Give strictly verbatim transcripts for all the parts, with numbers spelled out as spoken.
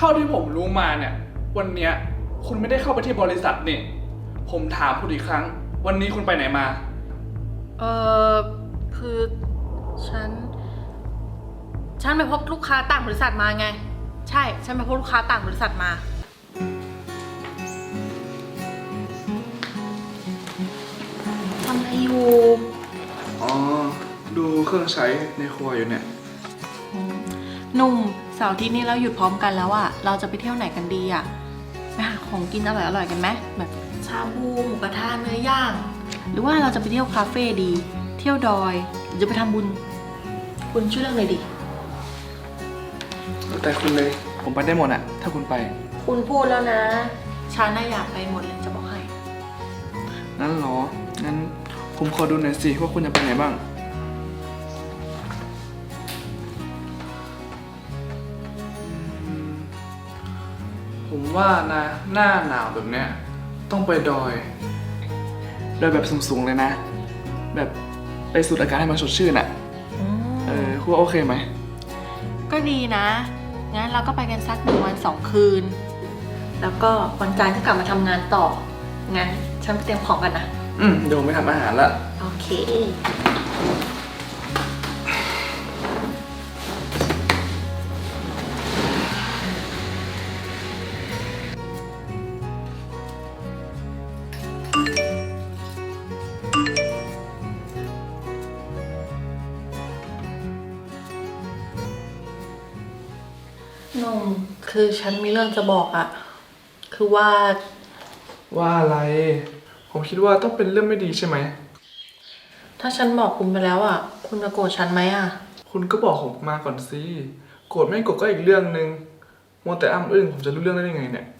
ท่าที่ผมรู้มาเนี่ยวันเนี้ยคุณไม่ได้เข้าไปที่บริษัทนี่ผมถามคุณอีกครั้งวันนี้คุณไปไหนมาเออคือฉัน ฉันไปพบลูกค้าต่างบริษัทมาไง ใช่ ฉันไปพบลูกค้าต่างบริษัทมาทำอะไรอยู่อ๋อดูเครื่องใช้ในครัวอยู่เนี่ยหนุ่มเสาร์อาทิตย์นี้เราหยุดพร้อมกันแล้วอะเราจะไปเที่ยวไหนกันดีอะไปหาของกินอร่อยๆกันไหมแบบชาบูหมูกระทะเนื้อย่าง หรือว่าเราจะไปเที่ยวคาเฟ่ดี เที่ยวดอยหรือจะไปทำบุญ คุณช่วยเลือกเลยดิแต่คุณเลยผมไปได้หมดอะถ้าคุณไปคุณพูดแล้วนะ ฉันน่าอยากไปหมดเลยจะบอกให้งั้นเหรองั้นผมขอดูหน่อยสิว่าคุณจะไปไหนบ้างผมว่านะหน้าหนาวแบบเนี้ยต้องไปดอยดอยแบบสูงๆเลยนะ แบบไปสูดอากาศให้มันสดชื่นอะเออคุณว่าโอเคไหมก็ดีนะ งั้นเราก็ไปกันสักหนึ่งวันสองคืน แล้วก็วันจันทร์ก็กลับมาทำงานต่อ งั้นฉันไปเตรียมของกันนะอืมเดี๋ยวผมไปทำอาหารละโอเค นมคือฉันมีเรื่องจะบอกอะคือว่าว่าอะไร ผมคิดว่าต้องเป็นเรื่องไม่ดีใช่ไหมถ้าฉันบอกคุณไปแล้วอะคุณจะโกรธฉันไหมอะคุณก็บอกผมมาก่อนสิโกรธไม่โกรธก็อีกเรื่องนึงมัวแต่อ้ำอึ้งผมจะรู้เรื่องได้ยังไงเนี่ย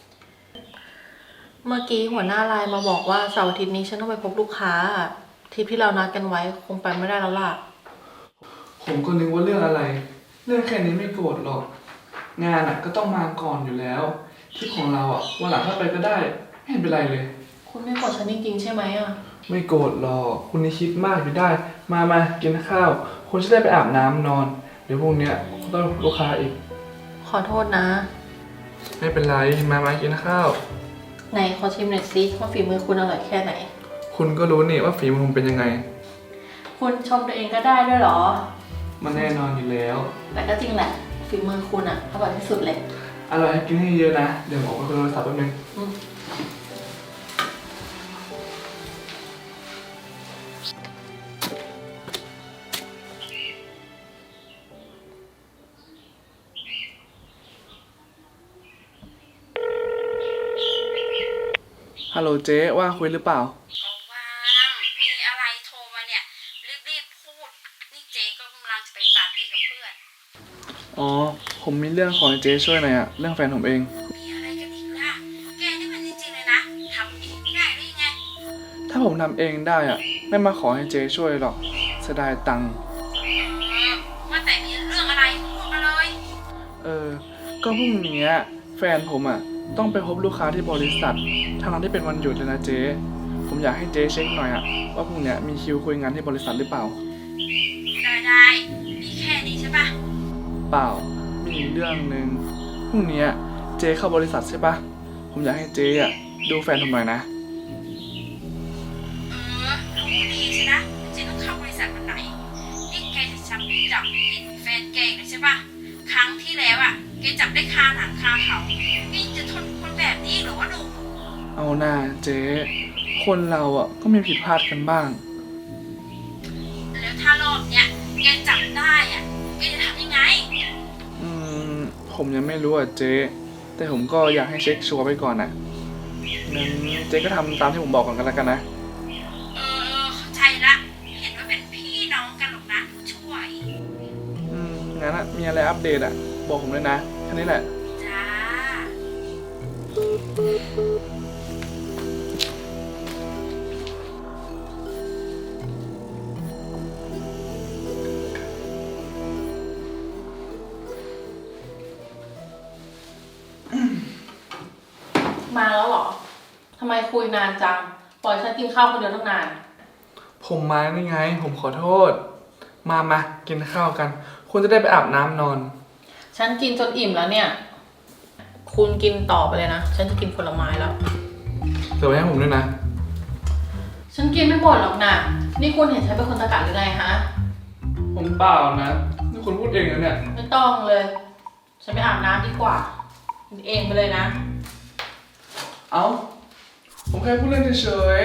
เมื่อกี้หัวหน้าไลน์มาบอกว่าเสาร์อาทิตย์นี้ฉันต้องไปพบลูกค้าอะทริปที่เรานัดกันไว้คงไปไม่ได้แล้วล่ะผมก็นึกว่าเรื่องอะไร เรื่องแค่นี้ไม่โกรธหรอก งานอ่ะก็ต้องมาก่อนอยู่แล้วทริปของเราอ่ะวันหลังถ้าไปก็ได้ไม่เห็นเป็นไรเลยคุณไม่โกรธฉันจริงๆใช่ไหมอะไม่โกรธหรอกคุณนี่คิดมากอยู่ได้ มามากินข้าวคุณจะได้ไปอาบน้ำนอน เดี๋ยวพรุ่งเนี้ยต้องลูกค้าอีกขอโทษนะไม่เป็นไรมามากินข้าวไหนขอชิมหน่อยสิว่าฝีมือคุณอร่อยแค่ไหนคุณก็รู้นี่ว่าฝีมือผมเป็นยังไงคุณชมตัวเองก็ได้ด้วยเหรอมันแน่นอนอยู่แล้วแต่ก็จริงแหละฝีมือคุณอะอร่อยที่สุดเลยอร่อยให้กินให้เยอะนะ เดี๋ยวผมออกไปคุยโทรศัพท์แป๊บนึงอืมฮัลโหลเจ๊ว่างคุยหรือเปล่าก็ว่างมีอะไรโทรมาเนี่ย รีบๆพูด นี่เจ๊ก็กำลังจะไปปาร์ตี้กับเพื่อนอ๋อ ผมมีเรื่องขอให้เจ๊ช่วยหน่อยอะเรื่องแฟนผมเองมีอะไรกันอีกล่ะ แกนี่มันจริงๆเลยนะทำเองไม่ได้หรือยังไงถ้าผมทำเองได้อะไม่มาขอให้เจ๊ช่วยหรอกเสียดายตังค์เออว่าแต่มีเรื่องอะไรพูดมาเลยเออ ก็พรุ่งนี้แฟนผมอะต้องไปพบลูกค้าที่บริษัททางนั้นที่เป็นวันหยุดเลยนะเจ๊ผมอยากให้เจ๊เช็คหน่อยอะว่าพรุ่งนี้มีคิวคุยงานที่บริษัทหรือเปล่าได้ได้มีแค่นี้ใช่ปะเปล่า มีอีกเรื่องหนึ่งพรุ่งนี้เจ๊เข้าบริษัทใช่ปะผมอยากให้เจ๊อะดูแฟนผมหน่อยนะเออรู้ดีใช่นะเจ๊ต้องเข้าบริษัทวันไหน นี่แกจะจับจับผิดแฟนแกอีกเลยใช่ปะครั้งที่แล้วอ่ะแกจับได้คาหนังคาเขานี่จะทนคนแบบนี้เหรือว่าหนูเอาหน้าเจ๊คนเราอ่ะก็มีผิดพลาดกันบ้างแล้วถ้ารอบเนี้ยแกจับได้อ่ะแกจะทำยังไงอืมผมยังไม่รู้อ่ะเจ๊แต่ผมก็อยากให้เช็คชัวร์ไปก่อนอ่ะงั้นเจ๊ก็ทำตามที่ผมบอกก่อนกันแล้วกันนะเออเข้าใจละ เห็นว่าเป็นพี่น้องกันหรอกนะผู้ช่วยอืมงั้นอ่ะมีอะไรอัปเดตอ่ะบอกผมเลยนะแค่นี้แหละจ้ามาแล้วเหรอ ทำไมคุยนานจัง ปล่อยฉันกินข้าวคนเดียวตั้งนานผมมานี่ไง ผมขอโทษ มามากินข้าวกัน คุณจะได้ไปอาบน้ำนอนฉันกินจนอิ่มแล้วเนี่ยคุณกินต่อไปเลยนะ ฉันจะกินผลไม้แล้วเดี๋ยวไว้ให้ผมด้วยนะฉันกินไม่หมดหรอกนะนี่คุณเห็นฉันเป็นคนตะกะหรือไงฮะผมเปล่านะนี่คุณพูดเองนะเนี่ยไม่ต้องเลย ฉันไปอาบน้ำดีกว่ากินเองไปเลยนะเอ้า ผมแค่พูดเล่นเฉย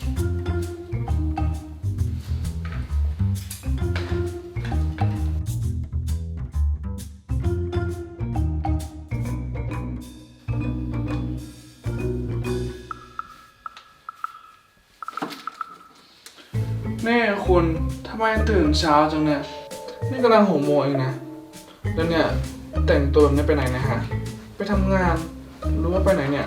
ๆนี่คุณทำไมตื่นเช้าจังเนี่ย นี่กำลังหกโมงเองนะ แล้วเนี่ย แต่งตัวแบบนี้ไปไหนนะฮะ ไปทำงานหรือว่าไปไหนเนี่ย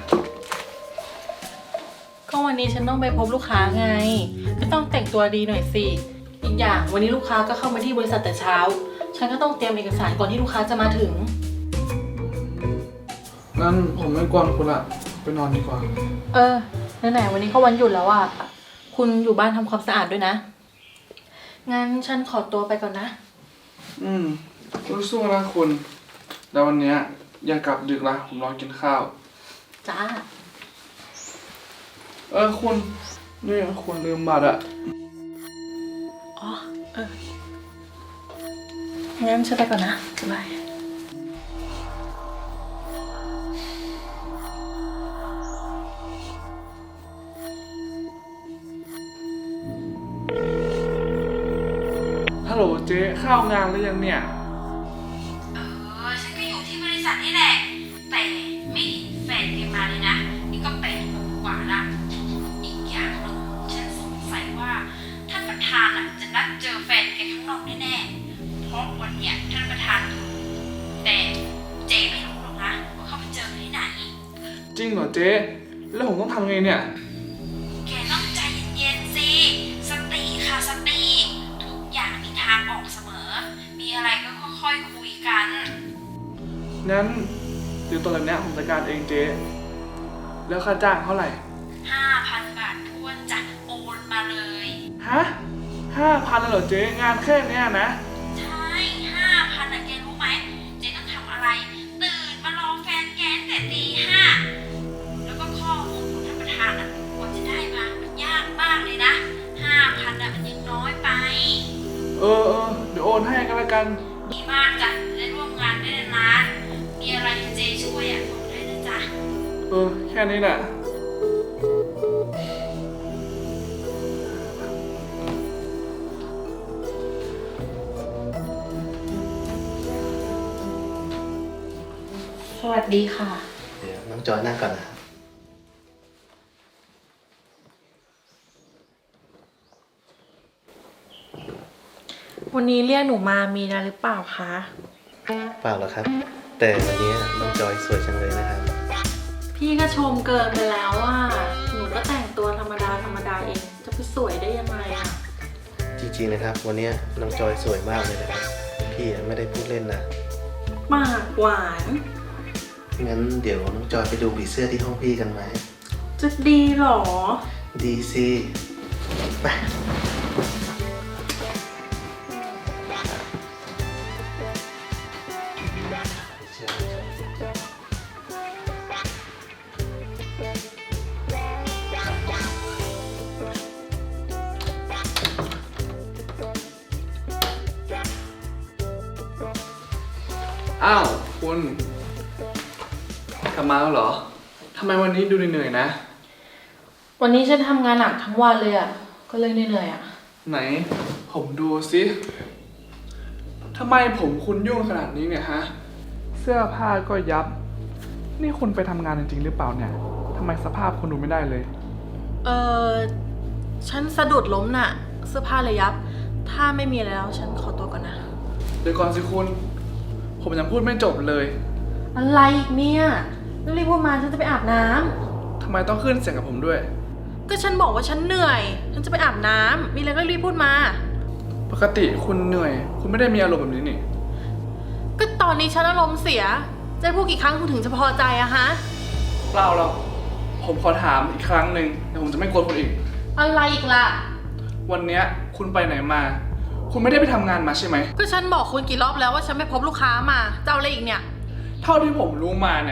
ก็วันนี้ฉันต้องไปพบลูกค้าไง ก็ต้องแต่งตัวดีหน่อยสิ อีกอย่างวันนี้ลูกค้าก็เข้ามาที่บริษัทแต่เช้า ฉันก็ต้องเตรียมเอกสารก่อนที่ลูกค้าจะมาถึงงั้นผมไม่กวนคุณละไปนอนดีกว่าเออไหนๆวันนี้ก็วันหยุดแล้วอ่ะ คุณอยู่บ้านทำความสะอาดด้วยนะ งั้นฉันขอตัวไปก่อนนะอืมสู้ๆนะคุณ แล้ววันเนี้ยอย่ากลับดึกละผมรอกินข้าวจ้าเออคุณ นี่คุณลืมบัตรอะอ๋อ เออ งั้นฉันไปก่อนนะบ๊ายบายฮัลโหลเจ๊ข้าวงานหรือยังเนี่ยเออฉันก็อยู่ที่บริษัทนี่แหละ แต่ไม่เห็นแฟนแกมาเลยนะ นี่ก็แปดโมงกว่าละอีกอย่างหนึงฉันสงสัยว่าท่านประธานอ่ะจะนัดเจอแฟนแกข้างนอกแน่ๆ เพราะวันเนี้ยท่านประธานอยู่แต่เจ๊ไม่รู้หรอกนะว่าเขาไปเจอที่ไหนจริงเหรอเจ๊แล้วผมต้องทำไงเนี่ยแกต้องใจเย็นๆสิ สติค่ะสติ ทุกอย่างมีทางออกเสมอ มีอะไรก็ค่อยๆคุยกันงั้นเดี๋ยวตอนแบบเนี้ยผมจัดการเองเจ๊แล้วค่าจ้างเท่าไหร่ห้าพัน บาททวนจะโอนมาเลยฮะห้าพันเลยเหรอเจ๊งานแค่เนี้ยนะใช่ ห้าพันอะแกรู้ไหม เจ๊ต้องทำอะไร ตื่นมารอแฟนแกตั้งแต่ตีห้า แล้วก็ข้อมูลของท่านประธานอะกว่าจะได้มา มันยากมากเลยนะ ห้าพันอะมันยังน้อยไปเออเออเดี๋ยวโอนให้กันละกันดีมากจ้ะจะได้ร่วมงานได้นานๆมีอะไรให้เจ๊ช่วยอะบอกได้นะจ๊ะเออแค่นี้แหละสวัสดีค่ะเดี๋ยวน้องจอยนั่งก่อนนะครับวันนี้เรียกหนูมามีอะไรหรือเปล่าคะเปล่าหรอกครับ แต่วันนี้น้องจอยสวยจังเลยนะครับพี่ก็ชมเกินไปแล้วว่า หนูก็แต่งตัวธรรมดาธรรมดาเอง จะไปสวยได้ยังไงอะจริงๆนะครับ วันนี้น้องจอยสวยมากเลยนะครับ พี่ไม่ได้พูดเล่นนะปากหวานงั้นเดี๋ยวน้องจอยไปดูผีเสื้อที่ห้องพี่กันไหมจะดีเหรอดีสิไปอ้าวคุณกลับมาแล้วเหรอทำไมวันนี้ดูเหนื่อยๆนะวันนี้ฉันทำงานหนักทั้งวันเลยอะก็เลยเหนื่อยๆอะไหน ผมดูสิทำไมผมคุณยุ่งขนาดนี้เนี่ยฮะ เสื้อผ้าก็ยับ นี่คุณไปทำงานจริงๆหรือเปล่าเนี่ยทำไมสภาพคุณดูไม่ได้เลยเออฉันสะดุดล้มน่ะ เสื้อผ้าเลยยับ ถ้าไม่มีอะไรแล้วฉันขอตัวก่อนนะเดี๋ยวก่อนสิคุณ ผมยังพูดไม่จบเลยอะไรอีกเนี่ยรีบพูดมาฉันจะไปอาบน้ำทำไมต้องขึ้นเสียงกับผมด้วยก็ฉันบอกว่าฉันเหนื่อย ฉันจะไปอาบน้ำมีอะไรก็รีบพูดมาปกติคุณเหนื่อย คุณไม่ได้มีอารมณ์แบบนี้นี่ก็ตอนนี้ฉันอารมณ์เสีย จะให้พูดกี่ครั้งคุณถึงจะพอใจอะฮะเปล่าหรอกผมขอถามอีกครั้งหนึ่งเดี๋ยวผมจะไม่กวนคุณอีกอะไรอีกล่ะวันเนี้ยคุณไปไหนมา คุณไม่ได้ไปทำงานมาใช่ไหมก็ฉันบอกคุณกี่รอบแล้วว่าฉันไม่พบลูกค้ามาจะเอาอะไรอีกเนี่ยเท่าที่ผมรู้มาเนี่ย ว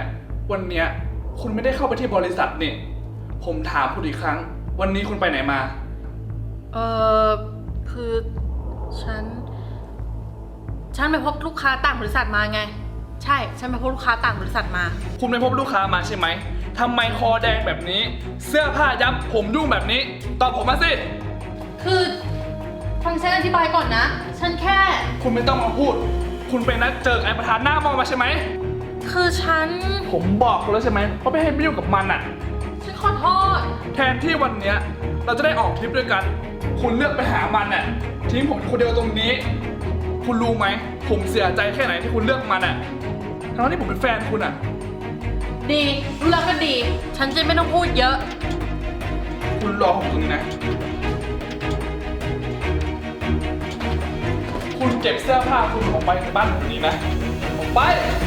วันเนี้ยคุณไม่ได้เข้าไปที่บริษัทนี่ ผมถามคุณอีกครั้ง วันนี้คุณไปไหนมาเออคือฉัน ฉันไปพบลูกค้าต่างบริษัทมาไง ใช่ ฉันไปพบลูกค้าต่างบริษัทมาคุณไปพบลูกค้ามาใช่ไหมทำไมคอแดงแบบนี้ เสื้อผ้ายับผมยุ่งแบบนี้ ตอบผมมาสิคือฟังฉันอธิบายก่อนนะ ฉันแค่คุณไม่ต้องมาพูด คุณไปนัดเจอไอ้ประธานหน้ามองมาใช่ไหมคือฉันผมบอกคุณแล้วใช่ไหมว่าไม่ให้ไปยุ่งกับมันอ่ะฉันขอโทษแทนที่วันเนี้ยเราจะได้ออกทริปด้วยกัน คุณเลือกไปหามันน่ะทิ้งผมคนเดียวตรงนี้ คุณรู้ไหม ผมเสียใจแค่ไหนที่คุณเลือกมันอ่ะทั้งที่ผมเป็นแฟนคุณอ่ะดี รู้แล้วก็ดี ฉันจะไม่ต้องพูดเยอะคุณรอผมตรงนี้นะ คุณเก็บเสื้อผ้าคุณออกไปจากบ้านผมนี้นะออกไป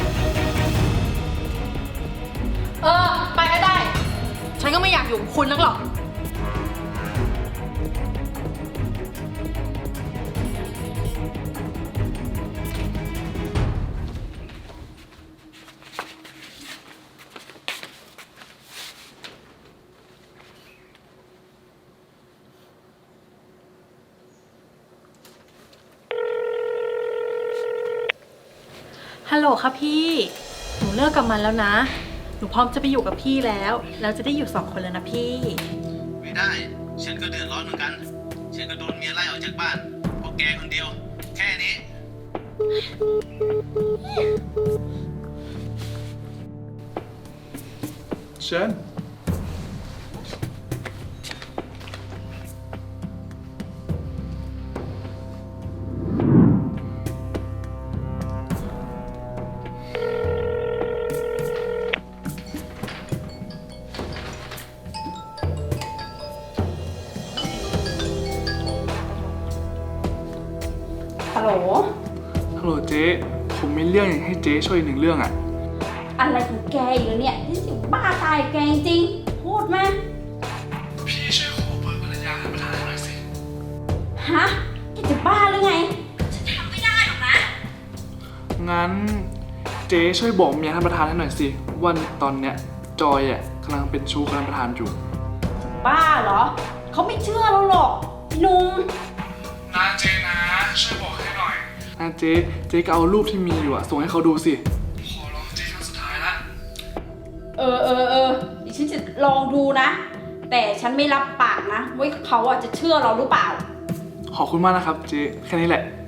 เออ ไปก็ได้ ฉันก็ไม่อยากอยู่กับคุณนักหรอก ฮัลโหลค่ะพี่ หนูเลิกกับมันแล้วนะ หนูพร้อมจะไปอยู่กับพี่แล้ว แล้วจะได้อยู่สองคนแล้วนะพี่ไม่ได้ ฉันก็เดือดร้อนเหมือนกัน ฉันก็โดนเมียไล่ออกจากบ้านเพราะแกคนเดียว แค่นี้เชิญฮัลโหลฮัลโหลเจ๊ ผมมีเรื่องอยากให้เจ๊ช่วยหนึ่งเรื่องอ่ะอะไรของแกอีกแล้วเนี่ยที่สิบ้าตายแกจริงๆพูดมาพี่ช่วยขอเบอร์ภรรยาท่านประธานหน่อยสิฮะแกจะบ้าหรือไง ฉันทำไม่ได้หรอกนะงั้นเจ๊ช่วยบอกเมียท่านประธานให้หน่อยสิว่าตอนเนี้ยจอยอ่ะกำลังเป็นชู้กับท่านประธานอยู่บ้าเหรอ เขาไม่เชื่อเราหรอกหนุ่มนะเจ๊นะช่วยบอกให้หน่อยนะเจ๊เจ๊ก็เอารูปที่มีอยู่อะส่งให้เขาดูสิ ขอร้องเจ๊ครั้งสุดท้ายละเออเออเออดิฉันจะลองดูนะ แต่ฉันไม่รับปากนะว่าเขาอ่ะจะเชื่อเราหรือเปล่าขอบคุณมากนะครับเจ๊แค่นี้แหละ